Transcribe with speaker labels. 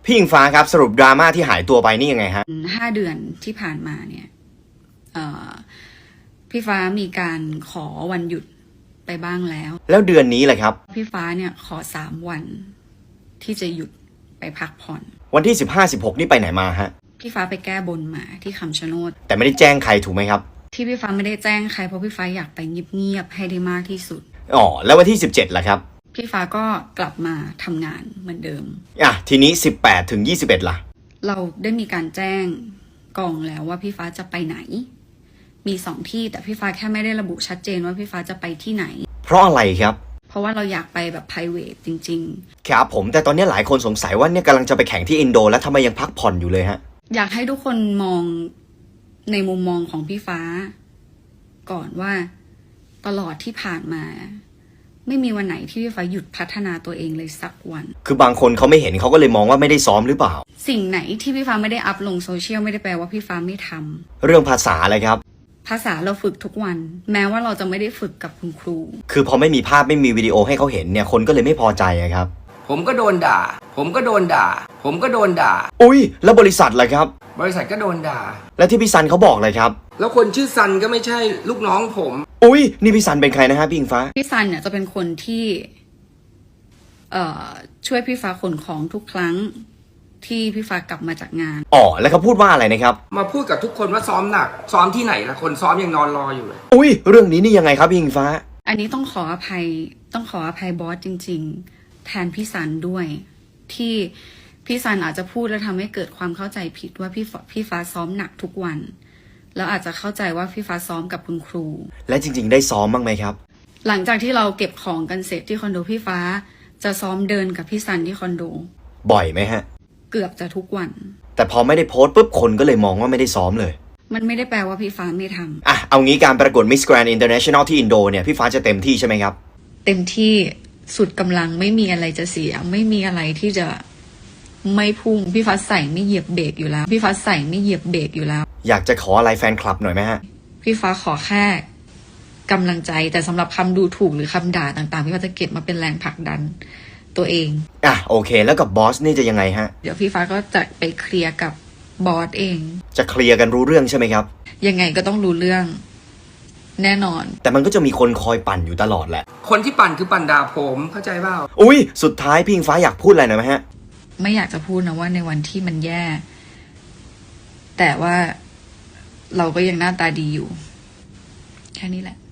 Speaker 1: พี่อิงฟ้าครับสรุปดราม่าที่หายตัวไปนี่ยังไงฮะ
Speaker 2: 5 เดือนที่ผ่านมาเนี่ยพี่ฟ้ามีการขอวันหยุดไปบ้างแล้ว
Speaker 1: เดือนนี้แหละครับ
Speaker 2: พี่ฟ้าเนี่ยขอ3 วันที่จะหยุดไปพักผ่อน
Speaker 1: วันที่15-16นี่ไปไหนมาฮะ
Speaker 2: พี่ฟ้าไปแก้บนมาที่คำชะโนด
Speaker 1: แต่ไม่ได้แจ้งใครถูกไหมครับ
Speaker 2: ที่พี่ฟ้าไม่ได้แจ้งใครเพราะพี่ฟ้าอยากไปเงียบๆให้ได้มากที่สุด
Speaker 1: แล้ววันที่17ล่ะครับ
Speaker 2: พี่ฟ้าก็กลับมาทำงานเหมือนเดิม
Speaker 1: ทีนี้18-21ล่ะ
Speaker 2: เราได้มีการแจ้งกองแล้วว่าพี่ฟ้าจะไปไหนมี2 ที่แต่พี่ฟ้าแค่ไม่ได้ระบุชัดเจนว่าพี่ฟ้าจะไปที่ไหน
Speaker 1: เพราะอะไรครับ
Speaker 2: เพราะว่าเราอยากไปแบบ private จริง
Speaker 1: ๆครับผมแต่ตอนนี้หลายคนสงสัยว่าเนี่ยกำลังจะไปแข่งที่อินโดแล้วทำไมยังพักผ่อนอยู่เลยฮะ
Speaker 2: อยากให้ทุกคนมองในมุมมองของพี่ฟ้าก่อนว่าตลอดที่ผ่านมาไม่มีวันไหนที่พี่ฟ้าหยุดพัฒนาตัวเองเลยสักวัน
Speaker 1: คือบางคนเขาไม่เห็นเขาก็เลยมองว่าไม่ได้ซ้อมหรือเปล่า
Speaker 2: สิ่งไหนที่พี่ฟ้าไม่ได้อัพลงโซเชียลไม่ได้แปลว่าพี่ฟ้าไม่ทำ
Speaker 1: เรื่องภาษาอะไรครับ
Speaker 2: ภาษาเราฝึกทุกวันแม้ว่าเราจะไม่ได้ฝึกกับคุณครู
Speaker 1: คือพอไม่มีภาพไม่มีวิดีโอให้เขาเห็นเนี่ยคนก็เลยไม่พอใจครับ
Speaker 3: ผมก็โดนด่าผมก็โดนด่า
Speaker 1: อุ้ยแล้วบริษัทล่ะครับ
Speaker 3: บริษัทก็โดนด่า
Speaker 1: แล้วที่พี่ซันเขาบอกเลยครับ
Speaker 3: แล้วคนชื่อซันก็ไม่ใช่ลูกน้องผม
Speaker 1: อุ้ยนี่พี่ซันเป็นใครนะฮะพี่อิงฟ้า
Speaker 2: พี่ซันเนี่ยจะเป็นคนที่ช่วยพี่ฟ้าขนของทุกครั้งที่พี่ฟ้ากลับมาจากงาน
Speaker 1: แล้วเขาพูดว่าอะไรนะครับ
Speaker 3: มาพูดกับทุกคนว่าซ้อมหนักซ้อมที่ไหนล่ะคนซ้อมยังนอนรออยู่เลย
Speaker 1: อุ้ยเรื่องนี้นี่ยังไงครับพี่อิงฟ้า
Speaker 2: อันนี้ต้องขออภัยบอสจริงๆแทนพี่ซันด้วยที่พี่ซันอาจจะพูดแล้วทำให้เกิดความเข้าใจผิดว่าพี่ฟ้าซ้อมหนักทุกวันแล้วอาจจะเข้าใจว่าพี่ฟ้าซ้อมกับคุณครู
Speaker 1: และจริงๆได้ซ้อมบ้างไหมครับ
Speaker 2: หลังจากที่เราเก็บของกันเสร็จที่คอนโดพี่ฟ้าจะซ้อมเดินกับพี่ซันที่คอนโด
Speaker 1: บ่อยไหมฮะ
Speaker 2: เกือบจะทุกวัน
Speaker 1: แต่พอไม่ได้โพสต์ปุ๊บคนก็เลยมองว่าไม่ได้ซ้อมเลย
Speaker 2: มันไม่ได้แปลว่าพี่ฟ้าไม่ท
Speaker 1: ำเอางี้การประกวด Miss Grand International ที่อินโดเนี่ยพี่ฟ้าจะเต็มที่ใช่ไหมครับ
Speaker 2: เต็มที่สุดกำลังไม่มีอะไรจะเสียไม่มีอะไรที่จะไม่พุ่งพี่ฟ้าใส่ไม่เหยียบเบรกอยู่แล้วอย
Speaker 1: ากจะขออะไรแฟนคลับหน่อยไหมฮะ
Speaker 2: พี่ฟ้าขอแค่กำลังใจแต่สำหรับคำดูถูกหรือคำด่าต่างๆพี่ฟ้าจะเก็บมาเป็นแรงผลักดันตัวเอง
Speaker 1: โอเคแล้วกับบอสนี่จะยังไงฮะ
Speaker 2: เดี๋ยวพี่ฟ้าก็จะไปเคลียร์กับบอสเอง
Speaker 1: จะเคลียร์กันรู้เรื่องใช่ไหมครับ
Speaker 2: ยังไงก็ต้องรู้เรื่องแน่นอน
Speaker 1: แต่มันก็จะมีคนคอยปั่นอยู่ตลอดแหละ
Speaker 3: คนที่ปั่นคือปั่นด่าผมเข้าใจเปล่า
Speaker 1: อุ้ยสุดท้ายพี่อิงฟ้าอยากพูดอะไรหน่อยไหมฮะ
Speaker 2: ไม่อยากจะพูดนะว่าในวันที่มันแย่แต่ว่าเราก็ยังหน้าตาดีอยู่แค่นี้แหละ